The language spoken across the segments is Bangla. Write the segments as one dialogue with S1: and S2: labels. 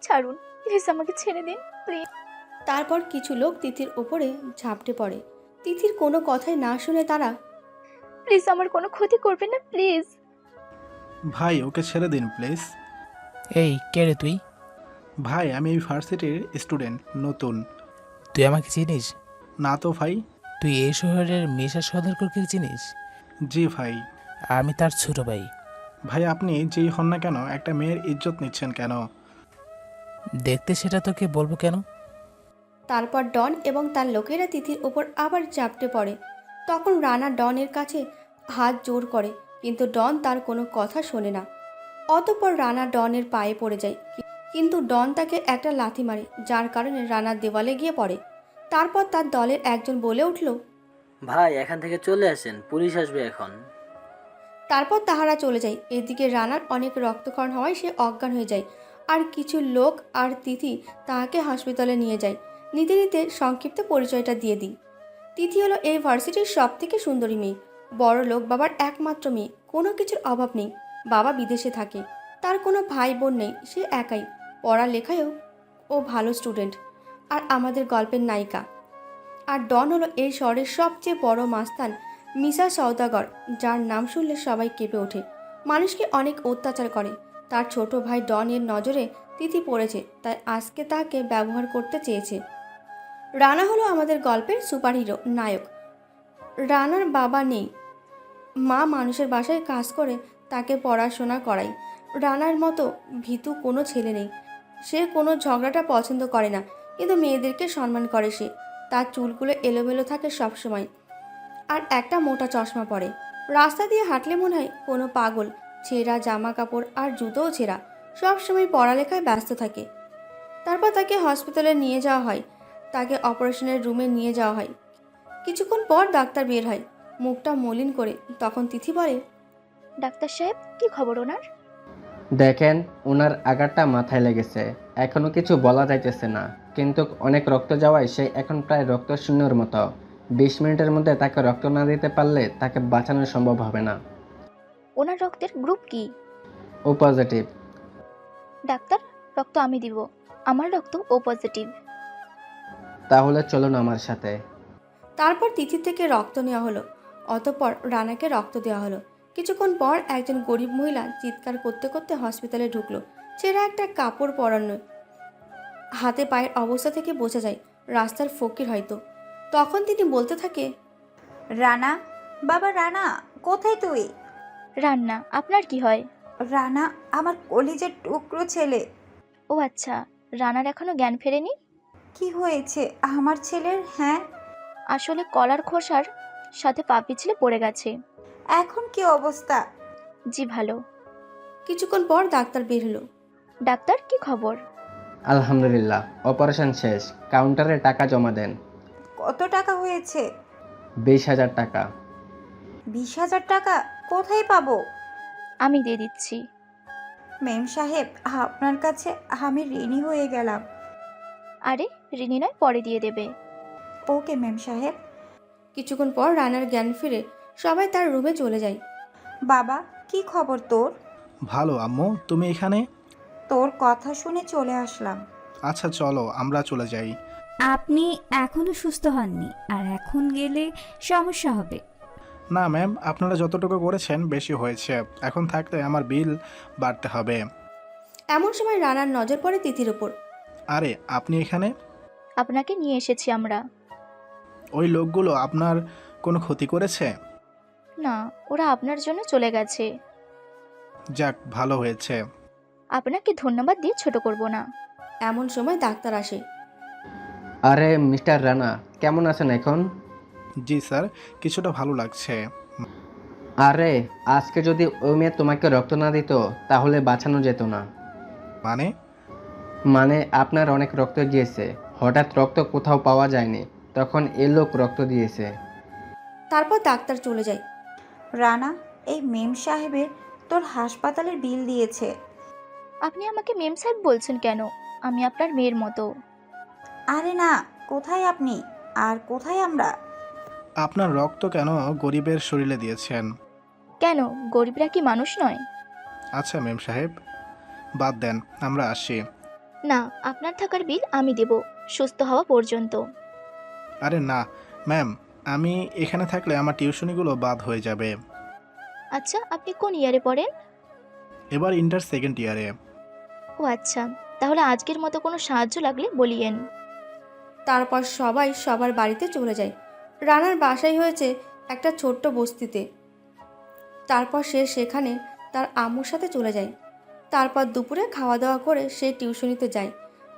S1: ছাড়ুন, প্লিজ আমাকে ছেড়ে দিন প্লিজ।
S2: তারপর কিছু লোক তিথির ওপরে ঝাঁপটে পড়ে। তিথির কোনো কথাই না শুনে তারা,
S1: প্লিজ আমার কোনো ক্ষতি করবেন না প্লিজ।
S3: ভাই ওকে ছেড়ে দিন প্লিজ।
S4: এই কে রে তুই?
S3: ভাই আমি এই ভার্সিটির স্টুডেন্ট, নতুন।
S4: তুই আমাকে চিনিস?
S3: না তো ভাই।
S4: তুই এই শহরের মিশা সওদাগরকে চিনিস?
S3: জি ভাই।
S4: আমি তার ছোট ভাই।
S3: ভাই আপনি যেই হন না কেন একটা মেয়ের ইজ্জত নিচ্ছেন কেন?
S4: দেখতে সেটা তোকে বলবো কেন?
S2: তারপর ডন এবং তার লোকেরা তিথির ওপর আবার ঝাঁপটে পড়ে। তখন রানা ডনের কাছে হাত জোর করে, কিন্তু ডন তার কোনো কথা শোনে না। অতঃপর রানা ডনের পায়ে পড়ে যায়, কিন্তু ডন তাকে একটা লাথি মারে, যার কারণে রানা দেওয়ালে গিয়ে পড়ে। তারপর তার দলের একজন বলে উঠল,
S5: ভাই এখান থেকে চলে আসেন, পুলিশ আসবে এখন।
S2: তারপর তাহারা চলে যায়। এদিকে রানার অনেক রক্তক্ষরণ হওয়ায় সে অজ্ঞান হয়ে যায়, আর কিছু লোক আর তিথি তাহাকে হাসপাতালে নিয়ে যায়। নিতে নিতে সংক্ষিপ্ত পরিচয়টা দিয়ে দিই। তিথি হলো এই ভার্সিটির সব থেকে সুন্দরী মেয়ে, বড় লোক বাবার একমাত্র মেয়ে, কোনো কিছুর অভাব নেই। বাবা বিদেশে থাকে, তার কোনো ভাই বোন নেই, সে একাই। পড়ালেখায়ও ও ভালো স্টুডেন্ট, আর আমাদের গল্পের নায়িকা। আর ডন হলো এই শহরের সবচেয়ে বড় মাস্তান, মিশা সওদাগর, যার নাম শুনলে সবাই কেঁপে ওঠে। মানুষকে অনেক অত্যাচার করে। তার ছোট ভাই ডন এর নজরে তিথি পড়েছে, তাই আজকে তাকে ব্যবহার করতে চেয়েছে। রানা হলো আমাদের গল্পের সুপারহিরো নায়ক। রানার বাবা নেই, মা মানুষের বাসায় কাজ করে তাকে পড়াশোনা করায়। রানার মতো ভীতু কোনো ছেলে নেই। সে কোনো ঝগড়াটা পছন্দ করে না, কিন্তু মেয়েদেরকে সম্মান করে সে। তার চুলগুলো এলোমেলো থাকে সবসময়, আর একটা মোটা চশমা পরে। রাস্তা দিয়ে হাঁটলে মনে হয় কোনো পাগল। ছেঁড়া জামা কাপড় আর জুতোও ছেঁড়া, সবসময় পড়ালেখায় ব্যস্ত থাকে। তারপর তাকে হসপিটালে নিয়ে যাওয়া হয়, তাকে অপারেশনের রুমে নিয়ে যাওয়া হয়। কিছুক্ষণ পর ডাক্তার বের হয়, মুখটা মলিন করে। তখন তিথি বলে,
S1: ডাক্তার সাহেব, কি খবর ওনার?
S6: দেখেন, ওনার আঘাতটা মাথায় লেগেছে, এখনো কিছু বলা যাইতেছে না, কিন্তু অনেক রক্ত যাওয়ায় সে এখন প্রায় রক্তশূন্যর মতো। 20 মিনিটের মধ্যে তাকে রক্ত না দিতে পারলে তাকে বাঁচানো সম্ভব হবে না।
S1: ওনার রক্তের গ্রুপ কি?
S6: ও পজিটিভ।
S1: ডাক্তার, রক্ত আমি দিব, আমার রক্ত ও পজিটিভ।
S6: তাহলে চলুন আমার সাথে।
S2: তারপর তিথি থেকে রক্ত নেওয়া হলো। অতঃপর রানাকে রক্ত দেওয়া হলো। কিছুক্ষণ পর একজন গরিব মহিলা চিৎকার করতে করতে হসপিটালে ঢুকলো। ছেঁড়া একটা কাপড় পরানো, হাতে পায়ের অবস্থা থেকে বোঝা যায় রাস্তার ফকির হয়তো। তখন তিনি বলতে থাকে,
S7: রানা, বাবা রানা, কোথায় তুই?
S1: রান্না, আপনার কি হয়?
S7: রানা আমার কলিজের টুকরো ছেলে।
S1: ও আচ্ছা, রানার এখনো জ্ঞান ফেরেনি?
S7: কি হয়েছে আমার ছেলের? হ্যাঁ,
S1: আসলে কলার খোসার সাথে পা পিছলে পড়ে গেছে।
S7: এখন কি অবস্থা?
S1: জি ভালো।
S2: কিছুক্ষণ পর ডাক্তার বের হলো।
S1: ডাক্তার, কি খবর?
S6: আলহামদুলিল্লাহ, অপারেশন শেষ, কাউন্টারে টাকা জমা দেন।
S7: কত টাকা হয়েছে?
S6: 20,000 টাকা।
S7: 20,000 টাকা কোথায় পাবো?
S1: আমি দিয়ে দিচ্ছি।
S7: মেম সাহেব, আপনার কাছে আমি ঋণী হয়ে গেলাম।
S1: আরে ঋণী নয়, পরে দিয়ে দেবে।
S7: ওকে মেম সাহেব।
S2: কিছুক্ষণ পর রানার জ্ঞান ফিরে সবাই তার রুমে চলে যায়।
S7: বাবা, কি খবর তোর?
S3: ভালো আম্মু, তুমি এখানে?
S7: তোর কথা শুনে চলে আসলাম।
S3: আচ্ছা চলো আমরা চলে যাই।
S8: আপনি এখনো সুস্থ হননি, আর এখন গেলে সমস্যা হবে।
S3: না ম্যাম, আপনারা যতটুকু করেছেন বেশি হয়েছে, এখন থাকলে আমার বিল বাড়তে হবে।
S2: এমন সময় রানার নজর পড়ে তিথির ওপর।
S3: আরে আপনি এখানে?
S1: আপনাকে নিয়ে এসেছি আমরা।
S3: ওই লোকগুলো আপনার কোনো ক্ষতি করেছে?
S1: না, ওরা আপনার জন্য চলে গেছে।
S3: যাক ভালো হয়েছে।
S1: আপনাকে ধন্যবাদ দিয়ে ছোট করব না।
S2: এমন সময় ডাক্তার আসে।
S6: আরে মিস্টার রানা, কেমন আছেন এখন?
S3: জি স্যার, কিছুটা ভালো লাগছে।
S6: আরে আজকে যদি ওই মেয়ে তোমাকে রক্ত না দিত তাহলে বাঁচানো যেত না।
S3: মানে?
S6: মানে আপনার অনেক রক্ত গিয়েছে, হঠাৎ রক্ত কোথাও পাওয়া যায়নি, তখন এ লোক রক্ত দিয়েছে।
S2: তারপর ডাক্তার চলে যায়।
S7: রানা, এই মেম সাহেবের তোর হাসপাতালের বিল দিয়েছে।
S1: আপনি আমাকে মেম সাহেব বলছেন কেন? আমি আপনার মেয়ের মতো।
S7: আরে না, কোথায় আপনি আর কোথায় আমরা?
S3: আপনার রক্ত কেন গরিবের শরীরে দিয়েছেন?
S1: কেন, গরিবরা কি মানুষ নয়?
S3: আচ্ছা মেম সাহেব, বাদ দেন, আমরা আসি।
S1: না, আপনার থাকার বিল আমি দেব, সুস্থ হওয়া পর্যন্ত।
S3: আরে না ম্যাম, আমি এখানে থাকলে আমার টিউশনিগুলো বাদ হয়ে যাবে।
S1: আচ্ছা, আপনি কোন ইয়ারে পড়েন?
S3: এবার ইন্টার সেকেন্ড ইয়ারে।
S1: ও আচ্ছা, তাহলে আজকের মতো কোনো সাহায্য লাগলে বলিয়েন।
S2: তারপর সবাই সবার বাড়িতে চলে যায়। রানার বাসাই হয়েছে একটা ছোট্ট বস্তিতে। তারপর সে সেখানে তার আম্মুর সাথে চলে যায়। তারপর দুপুরে খাওয়া দাওয়া করে সে টিউশনিতে যায়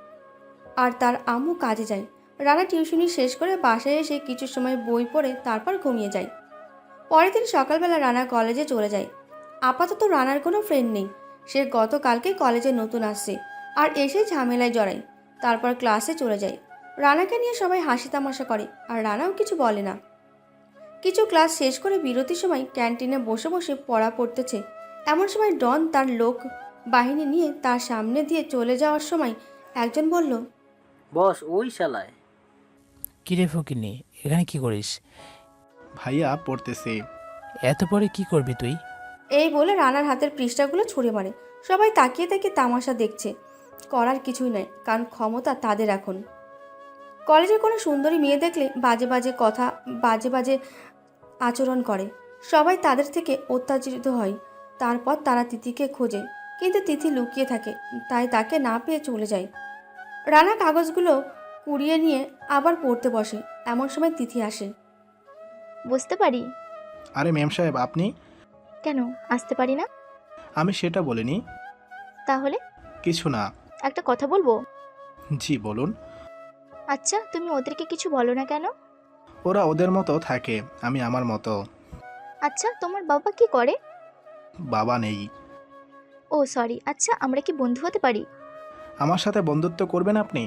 S2: আর তার আম্মু কাজে যায়। রানা টিউশনি শেষ করে বাসায় এসে কিছু সময় বই পড়ে তারপর ঘুমিয়ে যায়। পরের দিন সকালবেলা রানা কলেজে চলে যায়। আপাতত রানার কোনো ফ্রেন্ড নেই। সে গতকালকে কলেজে নতুন আসছে আর এসে ঝামেলায় জড়ায়। তারপর ক্লাসে চলে যায়। রানাকে নিয়ে সবাই হাসি তামাশা করে আর রানাও কিছু বলে না। কিছু ক্লাস শেষ করে বিরতির সময় ক্যান্টিনে বসে বসে পড়া পড়তেছে। এমন সময় ডন তার লোক বাহিনী নিয়ে তার সামনে দিয়ে চলে যাওয়ার সময় একজন বলল,
S5: বস, ওই শালায়।
S4: কিরে ফকিনি, এখানে কি করিস?
S3: ভাইয়া পড়তেছি।
S4: এত পরে কি করবি তুই?
S2: এই বলে রানার হাতের পৃষ্ঠাগুলো ছুঁড়ে মারে। সবাই তাকিয়ে তাকিয়ে তামাশা দেখছে। করার কিছুই নয়, কারণ ক্ষমতা তাদের এখন। কলেজে কোনো সুন্দরী মেয়ে দেখলে বাজে বাজে কথা, বাজে বাজে আচরণ করে। সবাই তাদের থেকে অত্যাচারিত হয়। তারপর তারা তিথিকে খোঁজে, কিন্তু তিথি লুকিয়ে থাকে, তাই তাকে না পেয়ে চলে যায়। রানা কাগজগুলো কুড়িয়ে নিয়ে আবার পড়তে বসে। এমন সময় তিথি আসে।
S1: বুঝতে পারি।
S3: আরে ম্যাম সাহেব, আপনি?
S1: কেন আসতে পারি না?
S3: আমি সেটা বলিনি।
S1: তাহলে?
S3: কিছু না।
S1: একটা কথা বলবো?
S3: জি বলুন।
S1: আচ্ছা, তুমি ওদেরকে কিছু বলো না কেন?
S3: ওরা ওদের মতো থাকে, আমি আমার মতো।
S1: আচ্ছা, তোমার বাবা কি করে?
S3: বাবা নেই।
S1: Oh sorry. আচ্ছা, আমরা কি বন্ধু হতে পারি?
S3: আমার সাথে বন্ধুত্ব করবেন আপনি?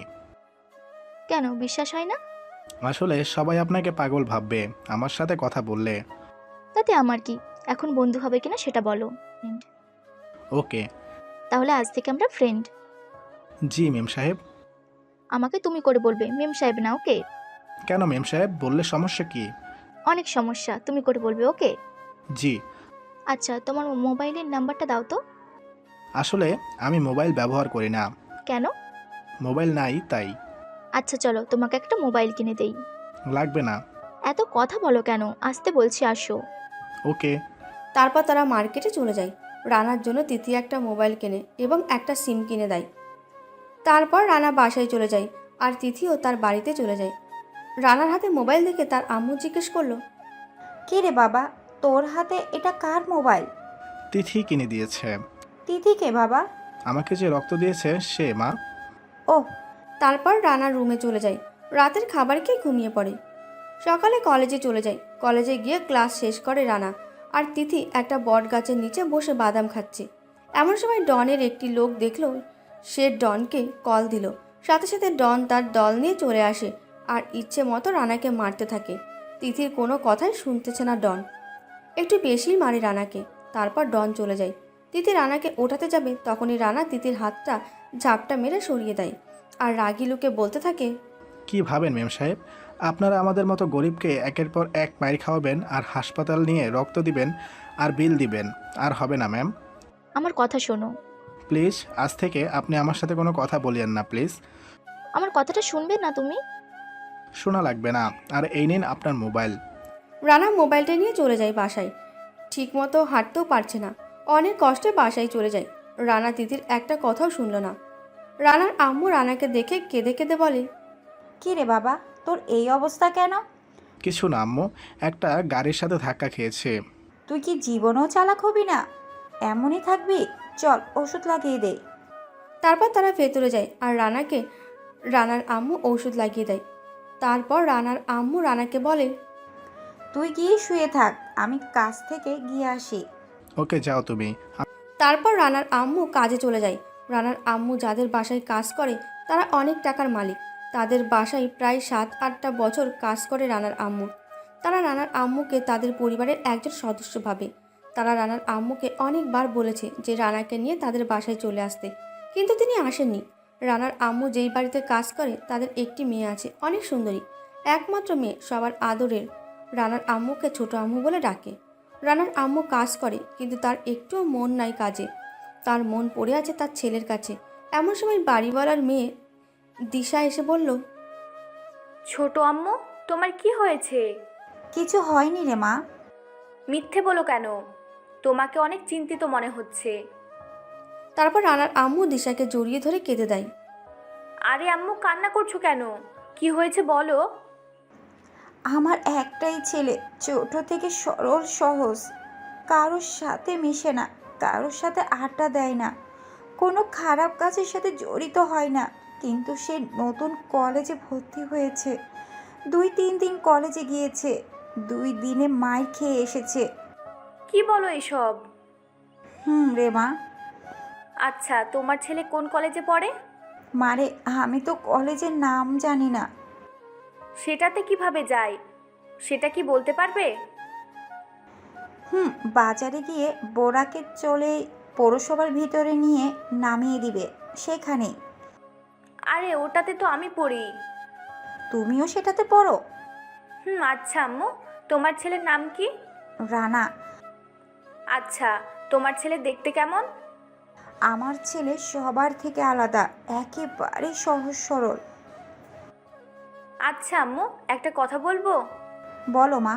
S1: কেন, বিশ্বাস হয় না?
S3: আসলে সবাই আপনাকে পাগল ভাববে আমার সাথে কথা বললে।
S1: তাতে আমার কি? এখন বন্ধু হবে কিনা সেটা বলো।
S3: ওকে।
S1: তাহলে আজ থেকে আমরা ফ্রেন্ড।
S3: জি মেম সাহেব।
S1: আমাকে তুমি করে বলবে, মেম সাহেব না, ওকে?
S3: কেন মেম সাহেব, বললে সমস্যা কি?
S1: অনেক সমস্যা, তুমি করে বলবে, ওকে?
S3: জি।
S1: আচ্ছা, তোমার মোবাইলের নাম্বারটা দাও তো।
S3: আসলে আমি মোবাইল ব্যবহার করি না।
S1: কেন?
S3: মোবাইল নাই তাই।
S1: আচ্ছা চলো, তোমাকে একটা মোবাইল কিনে দেই।
S3: লাগবে না।
S1: এত কথা বলো কেন? আসতে বলছি, আসো।
S3: ওকে।
S2: তারপর তারা মার্কেটে চলে যায়। রানার জন্য তিথি একটা মোবাইল কেনে এবং একটা সিম কিনে দেয়। তারপর রানা বাসায় চলে যায় আর তিথিও তার বাড়িতে চলে যায়। রানার হাতে মোবাইল দেখে তার আম্মু জিজ্ঞেস করলো,
S7: কে রে বাবা, তোর হাতে এটা কার মোবাইল?
S3: তিথি কিনে দিয়েছে।
S7: তিথি কে বাবা?
S3: আমাকে যে রক্ত দিয়েছে সে মা।
S7: ওহ।
S2: তারপর রানার রুমে চলে যায়। রাতের খাবার খেয়ে ঘুমিয়ে পড়ে। সকালে কলেজে চলে যায়। কলেজে গিয়ে ক্লাস শেষ করে রানা আর তিথি একটা বট গাছের নিচে বসে বাদাম খাচ্ছে। এমন সময় ডনের একটি লোক দেখলো। সে ডনকে কল দিল। সাথে সাথে ডন তার দল নিয়ে চলে আসে আর ইচ্ছে মতো রানাকে মারতে থাকে। তিথির কোনো কথাই শুনতেছে না ডন। একটু বেশিই মারে রানাকে। তারপর ডন চলে যায়। তিথি রানাকে ওঠাতে যাবে, তখনই রানা তিথির হাতটা ঝাপটা মেরে সরিয়ে দেয় আর রাগী লোকে বলতে থাকে,
S3: কি ভাবেন মেম সাহেব, আপনারা আমাদের মতো গরিবকে একের পর এক মাইর খাওয়াবেন আর হাসপাতাল নিয়ে রক্ত দিবেন আর বিল দিবেন? আর হবে না ম্যাম।
S1: আমার কথা শোনো।
S3: প্লিজ আজ থেকে আপনি আমার সাথে কোনো কথা বলিয়েন না প্লিজ।
S1: আমার কথাটা শুনবে না তুমি?
S3: শোনা লাগবে না। আর এই নিন আপনার মোবাইল।
S2: রানা মোবাইলটা নিয়ে চলে যায় বাসায়। ঠিকমতো হাঁটতেও পারছে না। অনেক কষ্টে বাসায় চলে যায়। রানা তিথির একটা কথাও শুনল না। রানার আম্মু রানাকে দেখে কেঁদে কেঁদে বলে,
S7: কি রে বাবা, তোর এই অবস্থা কেন?
S3: কিছু না আম্মু, একটা গাড়ির সাথে ধাক্কা খেয়েছে।
S7: তুই কি জীবনেও চালাক হবি না? এমনই থাকবি? চল ওষুধ লাগিয়ে দে।
S2: তারপর তারা ভেতরে যায় আর রানার আম্মু ঔষধ লাগিয়ে দেয়। তারপর রানার আম্মু রানাকে বলে,
S7: তুই গিয়ে শুয়ে থাক, আমি কাজ থেকে গিয়ে আসি।
S3: ওকে যাও তুমি।
S2: তারপর রানার আম্মু কাজে চলে যায়। রানার আম্মু যাদের বাসায় কাজ করে তারা অনেক টাকার মালিক। তাদের বাসায় প্রায় 7-8টা বছর কাজ করে রানার আম্মু। তারা রানার আম্মুকে তাদের পরিবারের একজন সদস্য ভাবে। তারা রানার আম্মুকে অনেকবার বলেছে যে রানাকে নিয়ে তাদের বাসায় চলে আসতে, কিন্তু তিনি আসেননি। রানার আম্মু যেই বাড়িতে কাজ করে তাদের একটি মেয়ে আছে, অনেক সুন্দরী, একমাত্র মেয়ে, সবার আদরের। রানার আম্মুকে ছোট আম্মু বলে ডাকে। রানার আম্মু কাজ করে, কিন্তু তার একটুও মন নাই কাজে। তার মন পড়ে আছে তার ছেলের কাছে। এমন সময় বাড়িওয়ালার মেয়ে দিশা এসে বলল,
S9: ছোট আম্মু, তোমার কি হয়েছে?
S7: কিছু হয়নি রে মা।
S9: মিথ্যে বলো কেন? তোমাকে অনেক চিন্তিত মনে হচ্ছে।
S2: তারপর রানার আম্মু দিশাকে জড়িয়ে ধরে কেঁদে দেয়।
S9: আরে আম্মু, কান্না করছো কেন? কি হয়েছে বলো।
S7: আমার একটাই ছেলে, ছোট থেকে সরল সহজ, কারোর সাথে মিশে না, কারোর সাথে আড্ডা দেয় না, কোনো খারাপ কাজের সাথে জড়িত হয় না। কিন্তু সে নতুন কলেজে ভর্তি হয়েছে, 2-3 দিন কলেজে গিয়েছে, 2 দিনে মার খেয়ে এসেছে।
S9: কি বলো এসব?
S7: রে মা।
S9: আচ্ছা, তোমার ছেলে কোন কলেজে পড়ে?
S7: মারে, আমি তো কলেজের নাম জানি না।
S9: সেটাতে কিভাবে যায় সেটা কি বলতে পারবে?
S7: বাজারে গিয়ে বোরাকে চলে পৌরসভার ভিতরে নিয়ে নামিয়ে দিবে, সেখানেই।
S9: আরে ওটাতে তো আমি পড়ি।
S7: তুমিও সেটাতে পড়ো?
S9: আচ্ছা আম্মু, তোমার ছেলের নাম কি?
S7: রানা।
S9: আচ্ছা, তোমার ছেলে দেখতে কেমন?
S7: আমার ছেলে সবার থেকে আলাদা, একেবারে সহজ সরল।
S9: আচ্ছা আম্মু, একটা কথা বলবো?
S7: বলো মা।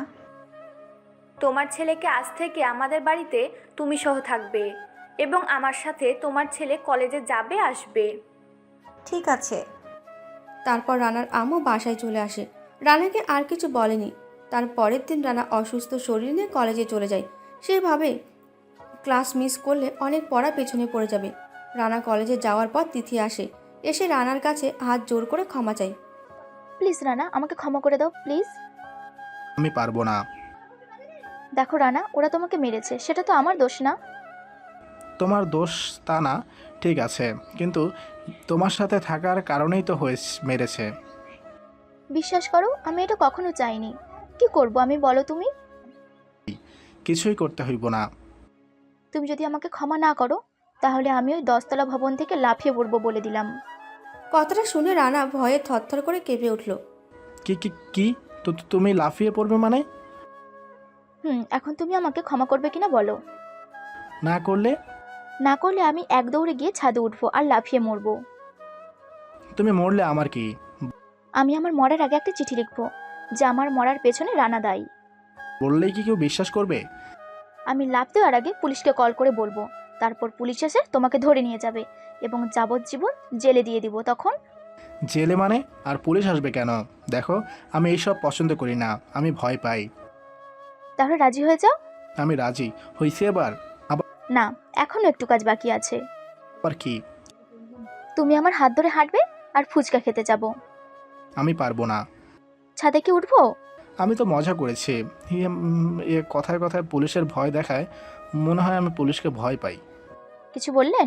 S9: তোমার ছেলেকে আজ থেকে আমাদের বাড়িতে তুমি সহ থাকবে, এবং আমার সাথে তোমার ছেলে কলেজে যাবে আসবে।
S7: ঠিক আছে।
S2: তারপর রানার আম্মু বাসায় চলে আসে। রানাকে আর কিছু বলেনি। তার পরের দিন রানা অসুস্থ শরীর নিয়ে কলেজে চলে যায়। সেভাবে ক্লাস মিস করলে অনেক পড়া পেছনে পড়ে যাবে। রানা কলেজে যাওয়ার পর তিথি আসে। এসে রানার কাছে হাত জোর করে ক্ষমা চায়।
S1: প্লিজ রানা, আমাকে ক্ষমা করে দাও প্লিজ।
S3: আমি পারবো না।
S1: দেখো রানা, ওরা তোমাকে মেরেছে, সেটা তো আমার দোষ না।
S3: তোমার দোষ তা না, ঠিক আছে, কিন্তু তোমার সাথে থাকার কারণেই তো মেরেছে।
S1: বিশ্বাস করো, আমি এটা কখনো চাইনি। কি করব আমি, বলো তুমি?
S3: কিছুই করতে হইব না।
S1: তুমি যদি আমাকে ক্ষমা না করো, তাহলে আমি ওই 10তলা ভবন থেকে লাফিয়ে পড়বো বলে দিলাম।
S2: কথাটা শুনে রানা ভয়ে থরথর করে কেঁপে উঠল।
S3: কি কি কি তো তুমি লাফিয়ে পড়বে মানে?
S1: এখন তুমি আমাকে ক্ষমা করবে কিনা বলো।
S3: না করলে?
S1: না করলে আমি এক দৌড়ে গিয়ে ছাদে উঠবো আর লাফিয়ে মরবো।
S3: তুমি মরলে আমার কি?
S1: আমি আমার মরার আগে একটা চিঠি লিখবো যে আমার মরার পেছনে রানা দায়ী।
S3: বললেই কি কেউ বিশ্বাস করবে?
S1: আমি লাফ দেওয়ার আগে পুলিশকে কল করে বলবো, তারপর পুলিশ এসে তোমাকে ধরে নিয়ে যাবে এবং যাবজ্জীবন জেলে দিয়ে দিব। তখন
S3: জেলে মানে? আর পুলিশ আসবে কেন? দেখো, আমি এইসব পছন্দ করি না, আমি ভয় পাই।
S1: তাহলে রাজি হয়ে যাও।
S3: আমি রাজি হইছি। এবার
S1: না, এখনো একটু কাজ বাকি আছে।
S3: আবার কি?
S1: তুমি আমার হাত ধরে হাঁটবে আর ফুচকা খেতে যাব।
S3: আমি পারবো না।
S1: ছাদে কি উঠবো?
S3: আমি তো মজা করেছি। কথায় কথায় পুলিশের ভয় দেখায়, মনে হয় আমি পুলিশকে ভয় পাই।
S1: কিছু বললেন?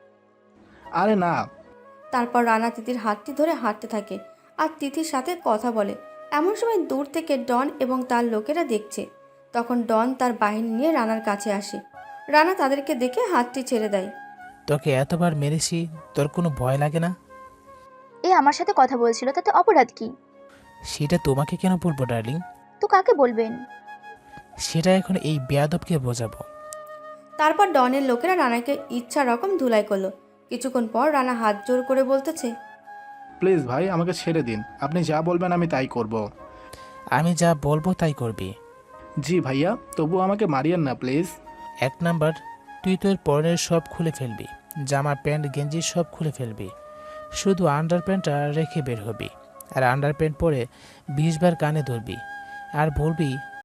S3: আরে না।
S2: তারপর রানা তিথির হাতটি ধরে হাঁটতে থাকে আর তিথির সাথে কথা বলে। এমন সময় দূর থেকে ডন এবং তার লোকেরা দেখছে। তখন ডন তার বাহিনী নিয়ে রানার কাছে আসে। রানা তাদেরকে দেখে হাতটি ছেড়ে দেয়।
S4: তোকে এতবার মেরেছি, তোর কোনো ভয় লাগে না?
S1: এ আমার সাথে কথা বলছিল, তাতে অপরাধ কি?
S4: সেটা তোমাকে কেন বলবো ডার্লিং?
S1: তো কাকে বলবেন?
S4: সেটা এখন এই বেয়াদবকে বোঝাবো।
S2: তারপর ডনের লোকেরা রানাকে ইচ্ছা রকম ধুলাই করলো। কিছুক্ষণ পর রানা হাত জোর করে বলতেছে,
S3: প্লিজ ভাই, আমাকে ছেড়ে দিন। আপনি যা বলবেন আমি তাই করব।
S4: আমি যা বলবো তাই করবি।
S3: জি ভাইয়া, তবু আমাকে মারিয়েন না প্লিজ।
S4: 1 নাম্বার, তুই তোর পরনের সব খুলে ফেলবি, জামা প্যান্ট গেঞ্জি সব খুলে ফেলবি, শুধু আন্ডার প্যান্টটা রেখে বের হবি। আর আন্ডার প্যান্ট পরে 20 বার কানে ধরবি আর বলবি